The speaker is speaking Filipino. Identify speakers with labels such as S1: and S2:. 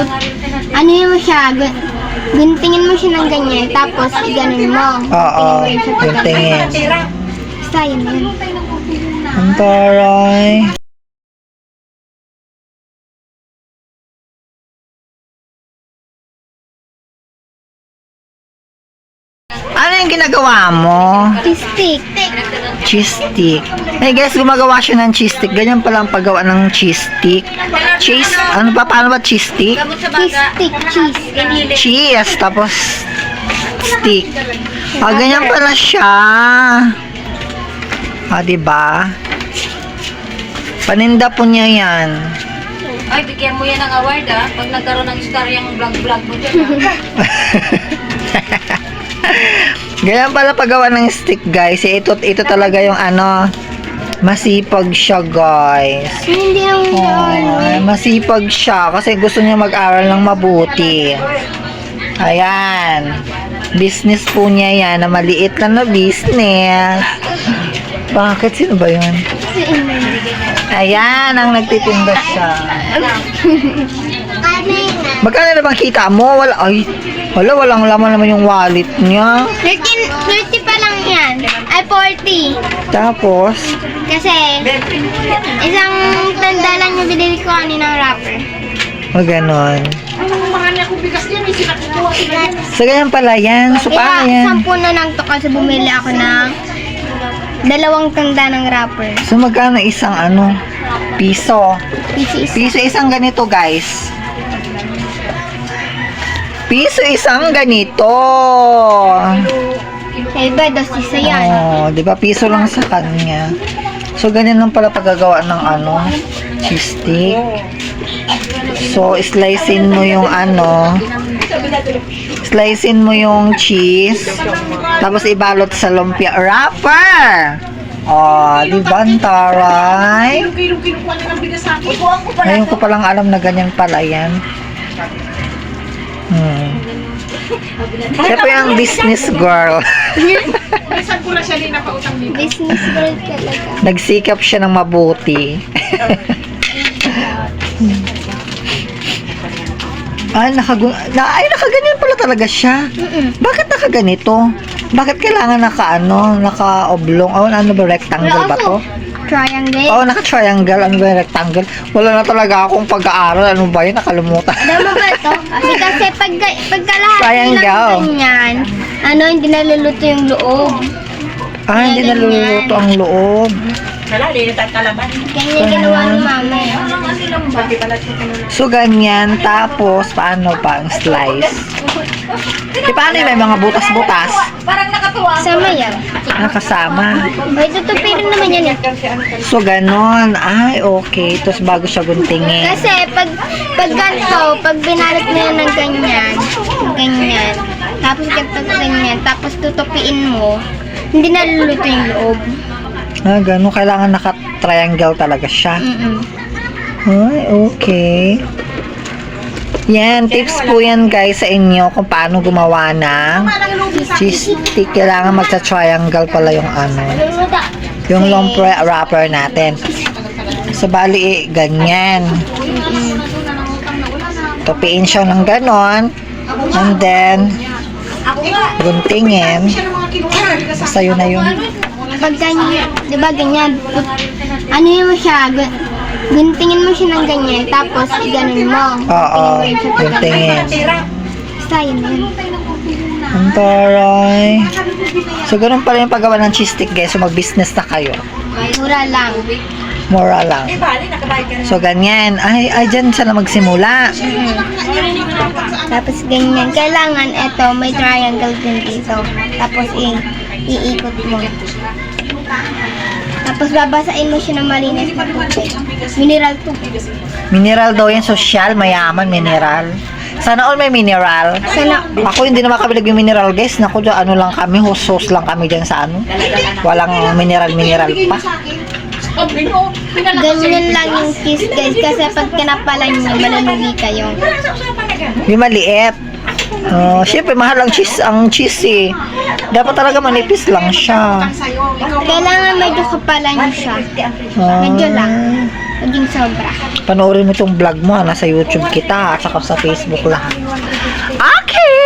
S1: ano mo siya, guntingin mo siya ng ganyan, tapos ganun mo.
S2: Oo, yung tingin.
S1: Basta yun yun.
S2: Ang taray. Ano yung ginagawa mo?
S1: Stick.
S2: Cheese stick. Hey guys, gumagawa siya ng cheese stick. Ganyan pala ang paggawa ng cheese stick. Cheese, ano ba? Paano ba cheese stick?
S1: Cheese.
S2: Cheese, tapos stick. Ganyan pala siya. Diba? Paninda po niya yan.
S3: Ay, bigyan mo yan ng award pag nagkaroon ng star yung vlog-vlog mo dyan
S2: Ganyan pala paggawa ng stick, guys. Ito talaga yung ano, masipag siya, guys.
S1: Hindi naman
S2: Masipag siya kasi gusto niya mag-aral ng mabuti. Ayan. Business po niya yan, na maliit lang na business. Bakit? Sino ba yun? Ayan, ang nagtitinda siya. Magkano na bang kita mo? Walang laman naman yung wallet niya.
S1: 30 pa lang yan. Ay, 40.
S2: Tapos,
S1: Kasi, isang tanda lang yung binili ko kaninang wrapper.
S2: ganon. So, ganyan pala yan. So, paano yan?
S1: 10 na lang to kasi bumili ako ng 2 tanda ng wrapper.
S2: So, magkano isang ano? Piso. Piso isang ganito, guys. Piso isang ganito.
S1: Iba, 2 isa yan.
S2: Di ba? Piso lang sa kanya. So, ganyan lang pala paggagawa ng ano, cheese stick. So, slicein mo yung ano, slicein mo yung cheese, tapos ibalot sa lumpia wrapper. Di ba, ang taray? Ngayon ko palang alam na ganyan pala yan. Siya po yung business girl.
S1: Business girl talaga.
S2: Nagsikap siya ng mabuti. Nakaganyan pala talaga siya. Bakit nakaganito? Bakit kailangan naka-oblong? Ano ba, rectangle ba to?
S1: Triangle.
S2: Naka-triangle. Ano ba yung rectangle? Wala na talaga akong pag-aaral. Ano ba yun? Nakalimutan.
S1: Alam mo ba ito? Kasi pagka lahat
S2: Triangle.
S1: nilang ganyan, hindi naluluto yung loob.
S2: Hindi naluluto ang loob.
S1: Ganyan ginawa ni mama.
S2: So, ganyan. Tapos, paano pa ang slice? Paano yung may mga butas-butas?
S3: Parang nakatuwa.
S1: Sama yan.
S2: Nakasama.
S1: Ay, tutupirin naman yan eh.
S2: So, ganon. Okay. Tapos, bago siya guntingin.
S1: Kasi pag ganito, pag binalot mo yan ng ganyan, tapos ganyan, tapos tutupiin mo, hindi naluluto yung loob.
S2: Ganon. Kailangan naka-triangle talaga siya. Okay. Yan, tips po yan guys sa inyo kung paano gumawa ng cheese stick. Kailangan magsa-triangle pala yung yung lumpia wrapper natin. So, bali, ganyan. Tupiin siya ng ganon. And then, guntingin. Basta yun na yun.
S1: Pag ganyan, di ba ganyan, mo siya, guntingin mo siya ng ganyan, tapos ganun mo.
S2: Oo, guntingin.
S1: Basta yun yun.
S2: Ang taray. So, ganun pala yung paggawa ng cheese stick guys. So, mag-business na kayo.
S1: Mura lang.
S2: Mura lang. So, ganyan. Ay, dyan siya na magsimula.
S1: Tapos ganyan. Kailangan ito, may triangle din dito. Tapos iikot mo. Tapos babasain mo siya ng malinis na tubig. Mineral tubig.
S2: Mineral daw yan. Social, mayaman, mineral. Sana all may mineral. Ako hindi naman kami naging mineral guys. Naku, ano lang kami, host lang kami dyan sa ano. Walang mineral pa.
S1: Ganyan lang yung kiss guys. Kasi pag kinapalan nyo, malulugi kayo.
S2: Yung maliit. Siyempre, mahal ang cheese eh. Dapat talaga manipis lang siya.
S1: Kailangan medyo kapalan nyo siya. Medyo lang. Maging sobra.
S2: Panoorin mo itong vlog mo, nasa YouTube kita, at saka sa Facebook lahat. Okay!